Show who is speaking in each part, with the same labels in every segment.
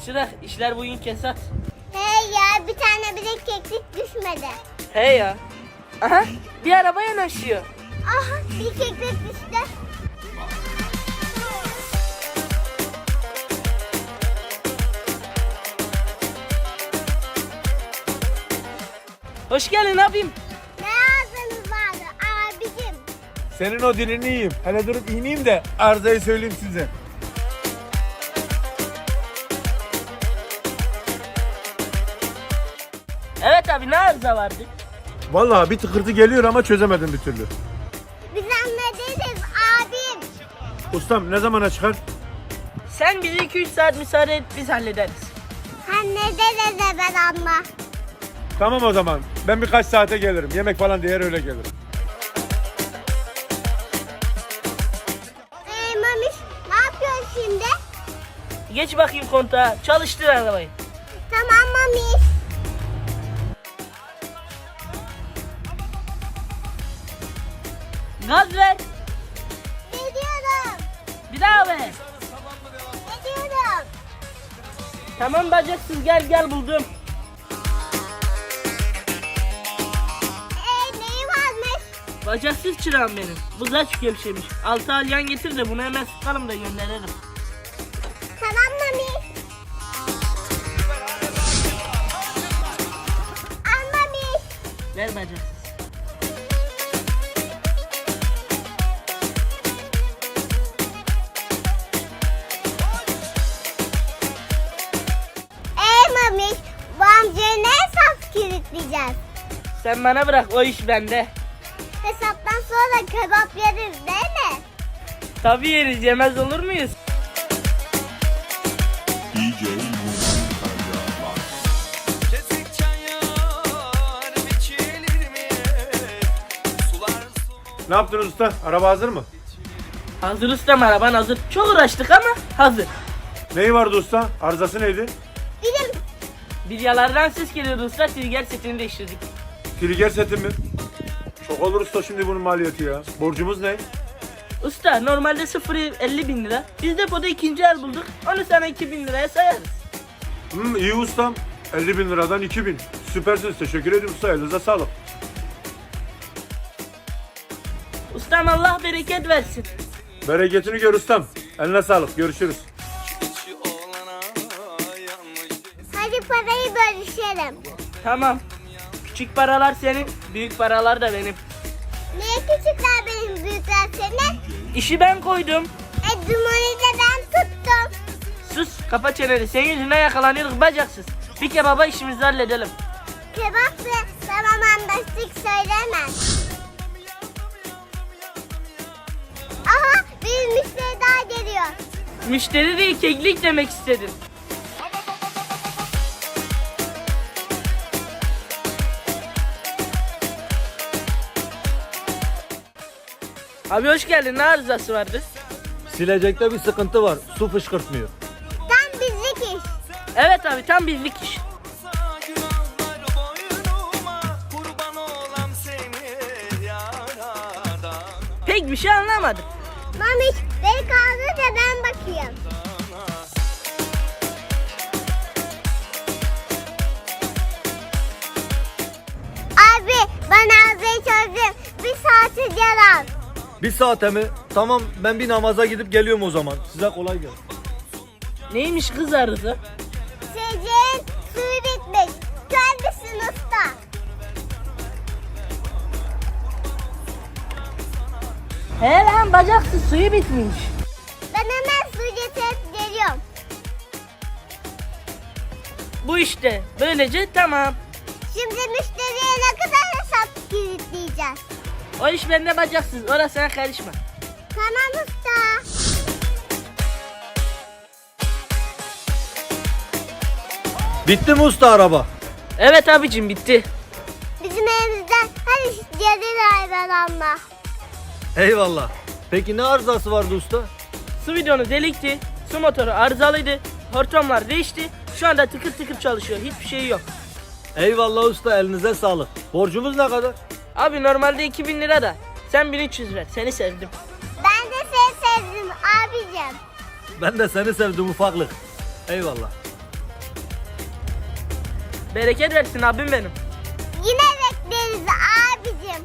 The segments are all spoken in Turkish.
Speaker 1: Çırak işler bugün kesat.
Speaker 2: Hey ya, bir tane bile keklik düşmedi.
Speaker 1: He ya. Aha bir araba yanaşıyor.
Speaker 2: Aha, bir keklik düştü.
Speaker 1: Hoş geldin abim.
Speaker 2: Ne ağzınız vardı abicim?
Speaker 3: Senin o dilini yiyeyim. Hele durup ineyim de arızayı söyleyeyim size.
Speaker 1: Evet abi ne arıza vardı?
Speaker 3: Vallahi bir tıkırtı geliyor ama çözemedim bir türlü.
Speaker 2: Biz anladınız abim.
Speaker 3: Ustam ne zamana çıkar?
Speaker 1: Sen bize 2-3 saat müsaade et biz hallederiz.
Speaker 2: Sen ne dedin ben amma?
Speaker 3: Tamam o zaman. Ben birkaç saate gelirim. Yemek falan diye öyle gelirim.
Speaker 2: Mamiş, ne yapıyorsun şimdi?
Speaker 1: Geç bakayım kontağa çalıştır arabayı.
Speaker 2: Tamam Mamiş.
Speaker 1: Gaz ver.
Speaker 2: Gidiyorum.
Speaker 1: Bir daha ver.
Speaker 2: Gidiyorum.
Speaker 1: Tamam bacaksız gel buldum.
Speaker 2: Neyi varmış?
Speaker 1: Bacaksız çırağım benim. Bu zaç gevşemiş. 6 alyan getir de bunu hemen sıkalım da gönderelim.
Speaker 2: Tamam Mamiş. Al Mamiş.
Speaker 1: Ver bacaksız.
Speaker 2: Mamiş, bu amcayı ne hesap kilitleyeceğiz?
Speaker 1: Sen bana bırak o iş bende.
Speaker 2: Hesaptan sonra kebap yeriz değil mi?
Speaker 1: Tabii yeriz yemez olur muyuz?
Speaker 4: DJ Muharrem.
Speaker 5: Kesik çayır biçilir mi? Sular
Speaker 3: Ne yaptınız usta? Araba hazır mı?
Speaker 1: Hazır ustam araban hazır. Çok uğraştık ama hazır.
Speaker 3: Neyi vardı usta? Arızası neydi?
Speaker 2: Bizim
Speaker 1: Bilyalardan ses geliyordu usta. Trigger setini değiştirdik.
Speaker 3: Trigger seti mi? Çok olur usta şimdi bunun maliyeti ya. Borcumuz ne?
Speaker 1: Usta normalde 0,50 bin lira. Biz depoda ikinci el bulduk. Onu sana 2.000 liraya sayarız.
Speaker 3: İyi ustam. 50 bin liradan 2 bin. Süpersiniz. Teşekkür ederim usta. Elinize sağlık.
Speaker 1: Ustam Allah bereket versin.
Speaker 3: Bereketini gör ustam. Eline sağlık. Görüşürüz.
Speaker 5: içi olana yanlış.
Speaker 2: hadi parayı bölüşelim.
Speaker 1: Tamam. Küçük paralar senin, büyük paralar da benim.
Speaker 2: Niye küçükler benim büyükler senin?
Speaker 1: İşi ben koydum.
Speaker 2: Dumoni de ben tuttum.
Speaker 1: Sus, kapa çeneni. Senin yüzünden yakalanıyorduk bacaksız. Bir kebaba işimizi halledelim.
Speaker 2: Kebap ve tamam anlaştık söyleme. Aha bir müşteri daha geliyor.
Speaker 1: Müşteri değil, keklik demek istedim. Abi hoş geldin. Ne arızası vardı?
Speaker 6: Silecekte bir sıkıntı var. Su fışkırtmıyor.
Speaker 2: Tam bizlik iş.
Speaker 1: Evet abi tam bizlik iş.
Speaker 5: Günahlar boynuma kurban olam seni yaradan.
Speaker 1: Pek bir şey anlamadım.
Speaker 2: Mamiş beni kaldır da ben bakayım. Abi ben ağzıyı çözdüm. Bir saati yalan.
Speaker 6: Bir saate mi? Tamam ben bir namaza gidip geliyorum o zaman. Size kolay gelsin.
Speaker 1: Neymiş kız arıza?
Speaker 2: Sizin suyu bitmiş. Kendisi usta.
Speaker 1: He lan bacaksız suyu bitmiş.
Speaker 2: Ben hemen su getirip geliyorum.
Speaker 1: Bu işte. Böylece tamam.
Speaker 2: Şimdi müşteriye ne kadar hesap kilitleyeceğiz?
Speaker 1: O iş bende bacaksız. Orasına karışma.
Speaker 2: Tamam usta.
Speaker 6: Bitti mi usta araba?
Speaker 1: Evet abicim bitti.
Speaker 2: Bizim evimizden her iş gelir hayvanlarla.
Speaker 6: Eyvallah. Peki ne arızası vardı usta?
Speaker 1: Su bidonu delikti. Su motoru arızalıydı. Hortumlar değişti. Şu anda tıkır tıkır çalışıyor. Hiçbir şey yok.
Speaker 6: Eyvallah usta elinize sağlık. Borcumuz ne kadar?
Speaker 1: Abi normalde 2.000 lira da. Sen 1.300 ver. Seni sevdim.
Speaker 2: Ben de seni sevdim abicim.
Speaker 6: Ben de seni sevdim ufaklık. Eyvallah.
Speaker 1: Bereket versin abim benim.
Speaker 2: Yine bekleriz abicim.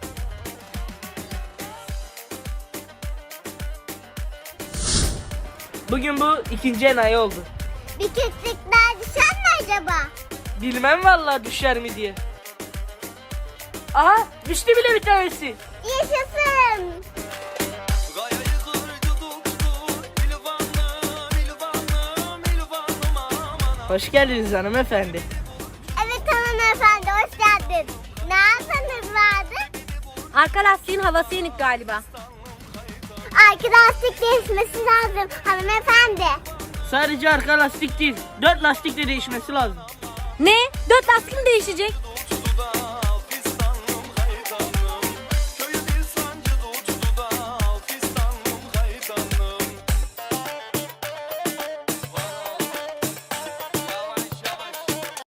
Speaker 1: Bugün bu ikinci enayi oldu.
Speaker 2: Bir küçük daha düşer mi acaba?
Speaker 1: Bilmem vallahi düşer mi diye. Aha düştü bile bir tanesi.
Speaker 2: Yaşasın.
Speaker 5: Gayayı kırdı tuttu İlvanım, İlvanım, İlvanım aman.
Speaker 1: Hoş geldiniz hanımefendi.
Speaker 2: Evet hanımefendi hoş geldin. Ne yapmanız vardı?
Speaker 7: Arka lastiğin havası yenik galiba.
Speaker 2: Arka lastik değişmesi lazım hanımefendi.
Speaker 1: Sadece arka lastik değil, 4 lastik de değişmesi lazım.
Speaker 7: Ne? 4 lastik mi değişecek?